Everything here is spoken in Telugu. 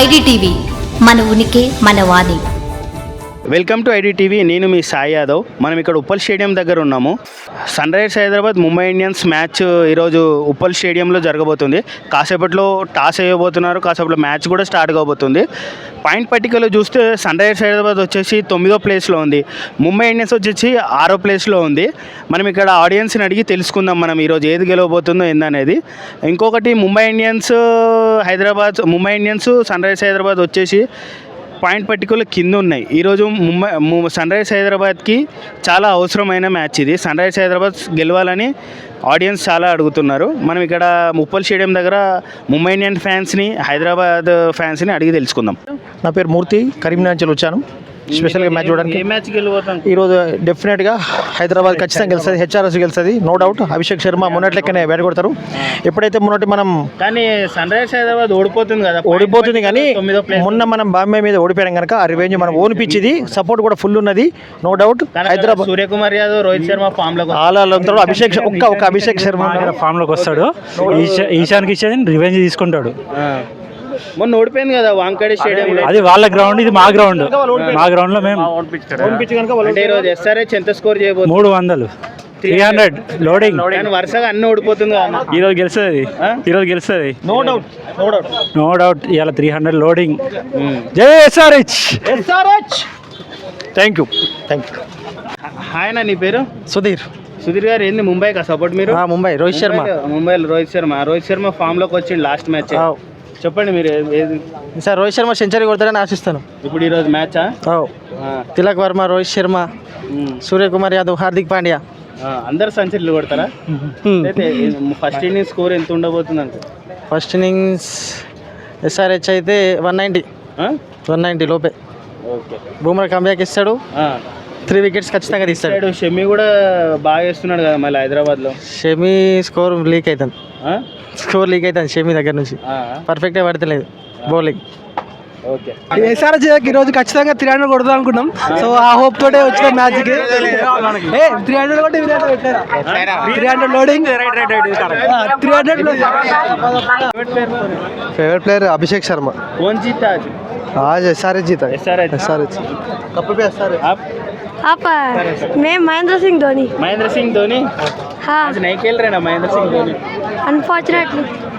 ఐడిటీవీ మన ఉనికి మన వాణి. Welcome to IDTV. నేను మీ సాయి యాదవ్. మనం ఇక్కడ ఉప్పల్ స్టేడియం దగ్గర ఉన్నాము. Sunrisers Hyderabad Mumbai Indians match ఈరోజు ఉప్పల్ స్టేడియంలో జరగబోతుంది. కాసేపట్లో టాస్ వేయబోతున్నారు, కాసేపట్లో మ్యాచ్ కూడా స్టార్ట్ కాబోతుంది. పాయింట్ పట్టికలో చూస్తే సన్ రైజర్స్ హైదరాబాద్ వచ్చేసి 9వ ప్లేస్లో ఉంది, ముంబై ఇండియన్స్ వచ్చేసి 6వ ప్లేస్లో ఉంది. మనం ఇక్కడ ఆడియన్స్ని అడిగి తెలుసుకుందాం మనం ఈరోజు ఏది గెలవబోతుందో ఏందనేది. ఇంకొకటి Mumbai Indians Sunrisers Hyderabad వచ్చేసి పాయింట్ పట్టికలు కింద ఉన్నాయి. ఈరోజు సన్ రైజర్స్ హైదరాబాద్కి చాలా అవసరమైన మ్యాచ్ ఇది. సన్ రైజర్స్ హైదరాబాద్ గెలవాలని ఆడియన్స్ చాలా అడుగుతున్నారు. మనం ఇక్కడ ఉప్పల్ స్టేడియం దగ్గర ముంబై ఇండియన్ ఫ్యాన్స్ని, హైదరాబాద్ ఫ్యాన్స్ని అడిగి తెలుసుకుందాం. నా పేరు మూర్తి, కరీంనగర్ నుంచి వచ్చాను స్పెషల్గా మ్యాచ్ చూడడానికి. ఏ మ్యాచ్ గెలవబోతాం ఈరోజు డెఫినెట్గా హైదరాబాద్ ఖచ్చితంగా గెలుస్తుంది, హెచ్ఆర్ఎస్ గెలుస్తుంది, నో డౌట్. అభిషేక్ శర్మ మొన్నటి లెక్కనే బ్యాట్ కొడతారు. ఎప్పుడైతే మొన్నటి మనం కానీ సన్ రైజర్స్ హైదరాబాద్ ఓడిపోతుంది కదా, ఓడిపోతుంది కానీ మొన్న మనం బాంబే మీద ఓడిపోయాం కనుక ఆ రివెంజ్ మనం ఓన్ పిచ్ ఇది, సపోర్ట్ కూడా ఫుల్ ఉన్నది, no doubt. Hyderabad Suryakumar Yadav, Rohit Sharma form లో అభిషేక్ అభిషేక్ శర్మ ఫామ్ లోకి వస్తాడు. ఈశాన్ కిషన్ రివెంజ్ తీసుకుంటాడు. మొన్న ఓడిపోయింది కదా వాంకడే స్టేడియం. అది వాళ్ళ గ్రౌండ్, ఇది మా గ్రౌండ్. మా గ్రౌండ్ లో మేము SRH ఎంత స్కోర్ చేయబోతుంది? 300 300 లోడింగ్. వరుసగా అన్ని ఓడిపోతుంది కదా. ఈరోజు గెలుస్తుంది నో డౌట్. ఇవాళ 300 లోడింగ్. జై SRH. Thank you. హాయ్ అన్న, నీ పేరు? సుధీర్ గారు. ఏంది ముంబైకా సపోర్ట్ మీరు? ముంబై రోహిత్ శర్మ. ముంబైలో రోహిత్ శర్మ ఫామ్ లోకి వచ్చింది లాస్ట్ మ్యాచ్. చెప్పండి మీరు సార్. రోహిత్ శర్మ సెంచరీ కొడతారని ఆశిస్తాను. ఇప్పుడు ఈరోజు మ్యాచా? తిలక్ వర్మ, రోహిత్ శర్మ, సూర్యకుమార్ యాదవ్, హార్దిక్ పాండ్యా అందరు సెంచరీలు కొడతారా? అయితే ఫస్ట్ ఇన్నింగ్స్ స్కోర్ ఎంత ఉండబోతుంది అంటే? ఫస్ట్ ఇన్నింగ్స్ SRH అయితే 190 లోపే. ఓకే. బూమ్రా కంబ్యాక్ ఇస్తాడు, 3 వికెట్స్ ఖచ్చితంగా తీస్తాడు. షమి కూడా బాగా వేస్తున్నాడు కదా మళ్ళీ హైదరాబాద్లో. షమి స్కోర్ లీక్ అవుతుంది, షమి దగ్గర నుంచి పర్ఫెక్ట్గా పడతలేదు బౌలింగ్. ఓకే. SRH ఈరోజు ఖచ్చితంగా 300 కొడదాం అనుకున్నాం. సో ఆ హోప్ తోటే వచ్చిన మ్యాచ్ కి 300 కొట్టి 300 loading 300. Favourite player Abhishek Sharma. कौन जीता आज SRH जीता. SRH कप पे SRH. आप मैं महेंद्र सिंह धोनी. हाँ, आज नहीं खेल रहे ना महेंद्र सिंह धोनी? अनफॉर्चुनेटली